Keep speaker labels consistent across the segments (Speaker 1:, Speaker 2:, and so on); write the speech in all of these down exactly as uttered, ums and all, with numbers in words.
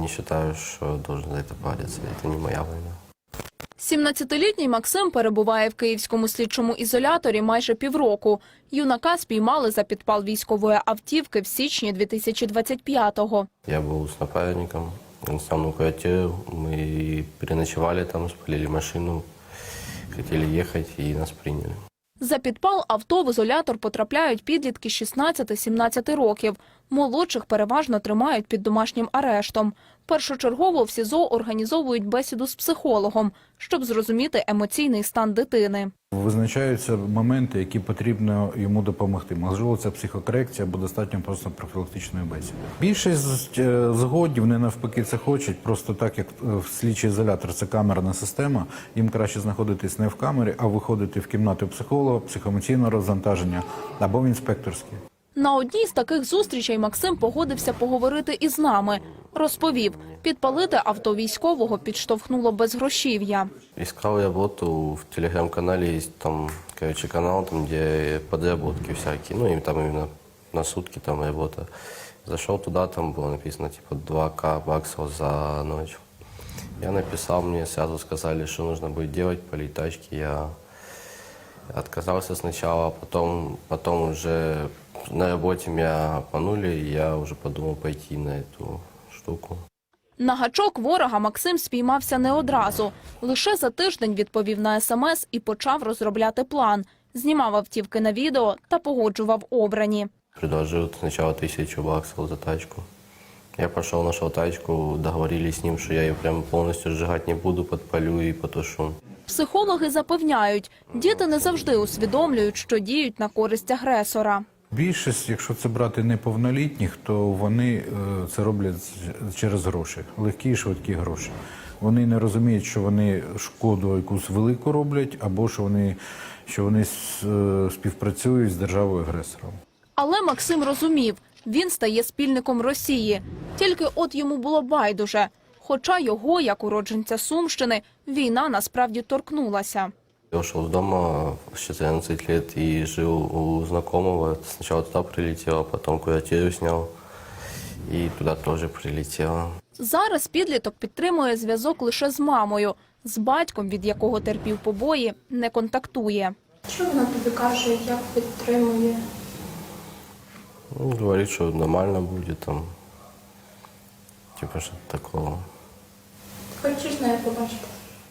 Speaker 1: не считаю, что должен за это париться. Это не моя война.
Speaker 2: сімнадцятилітній Максим перебуває в київському слідчому ізоляторі майже півроку. Юнака спіймали за підпал військової автівки в січні дві тисячі двадцять п'ятого.
Speaker 1: Я был с напарником в основном квартире. Мы переночевали там, спалили машину, хотели ехать и нас приняли.
Speaker 2: За підпал авто в ізолятор потрапляють підлітки шістнадцяти-сімнадцяти років. Молодших переважно тримають під домашнім арештом. Першочергово в СІЗО організовують бесіду з психологом, щоб зрозуміти емоційний стан дитини.
Speaker 3: Визначаються моменти, які потрібно йому допомогти. Можливо, це психокорекція або достатньо просто профілактичної бесіди. Більшість згодів, вони навпаки це хочуть, просто так як в слідчий ізолятор це камерна система, їм краще знаходитись не в камері, а виходити в кімнату психолога, психоемоційного розвантаження або в інспекторській.
Speaker 2: На одній з таких зустрічей Максим погодився поговорити із нами. Розповів, підпалити авто військового підштовхнуло безгрошів'я.
Speaker 1: Искал работу, в телеграм-канале есть там, короче, канал, там, где подработки всякие, ну, и там именно на сутки там работа. Зашел туда, там было написано, типа, два ка баксов за ночь. Я написал, мне сразу сказали, что нужно будет делать, полить тачки. Я отказался сначала, потом, потом уже на работе меня обманули, и я уже подумал пойти на эту штуку.
Speaker 2: На гачок ворога Максим спіймався не одразу. Лише за тиждень відповів на смс і почав розробляти план. Знімав автівки на відео та погоджував обрані.
Speaker 1: Предложил сначала тысячу баксов за тачку. Я пошел, нашел тачку, договорились с ним, что я ее прям полностью сжигать не буду, подпалю и потушу.
Speaker 2: Психологи запевняють, діти не завжди усвідомлюють, що діють на користь агресора.
Speaker 3: Більшість, якщо це брати неповнолітніх, то вони це роблять через гроші, легкі і швидкі гроші. Вони не розуміють, що вони шкоду якусь велику роблять, або що вони, що вони співпрацюють з державою-агресором.
Speaker 2: Але Максим розумів, він стає спільником Росії. Тільки от йому було байдуже. Хоча його, як уродженця Сумщини, війна насправді торкнулася.
Speaker 1: Я ушел с дома в четырнадцать лет и жил у знакомого. Сначала туда прилетел, потом квартиру снял и туда тоже прилетело.
Speaker 2: Зараз підліток підтримує зв'язок лише з мамою. З батьком, від якого терпів побої, не контактує.
Speaker 4: Що вона тобі каже, як підтримує?
Speaker 1: Ну, говорит, что нормально будет там. Типа что-то такого.
Speaker 4: Хочеш нею побачити?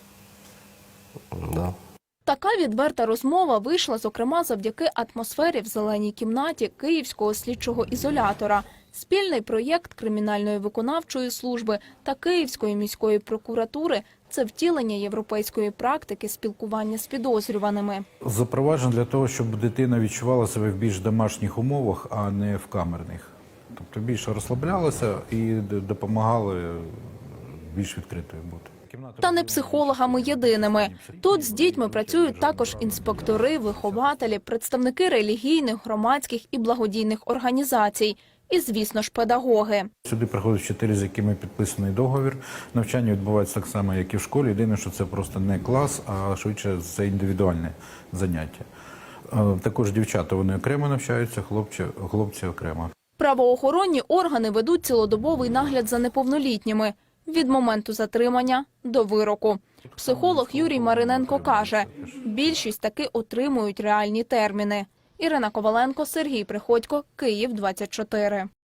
Speaker 1: Да.
Speaker 2: Така відверта розмова вийшла, зокрема, завдяки атмосфері в зеленій кімнаті Київського слідчого ізолятора. Спільний проєкт Кримінальної виконавчої служби та Київської міської прокуратури – це втілення європейської практики спілкування з підозрюваними.
Speaker 3: Запроваджено для того, щоб дитина відчувала себе в більш домашніх умовах, а не в камерних. Тобто більше розслаблялася і допомагали більш відкритою бути.
Speaker 2: Та не психологами єдиними. Тут з дітьми працюють також інспектори, вихователі, представники релігійних, громадських і благодійних організацій. І, звісно ж, педагоги.
Speaker 3: Сюди приходять вчителі, з якими підписаний договір. Навчання відбувається так само, як і в школі. Єдине, що це просто не клас, а швидше це індивідуальне заняття. Також дівчата, вони окремо навчаються, хлопці, хлопці окремо.
Speaker 2: Правоохоронні органи ведуть цілодобовий нагляд за неповнолітніми. Від моменту затримання до вироку. Психолог Юрій Мариненко каже, більшість таки отримують реальні терміни. Ірина Коваленко, Сергій Приходько, Київ, двадцять чотири.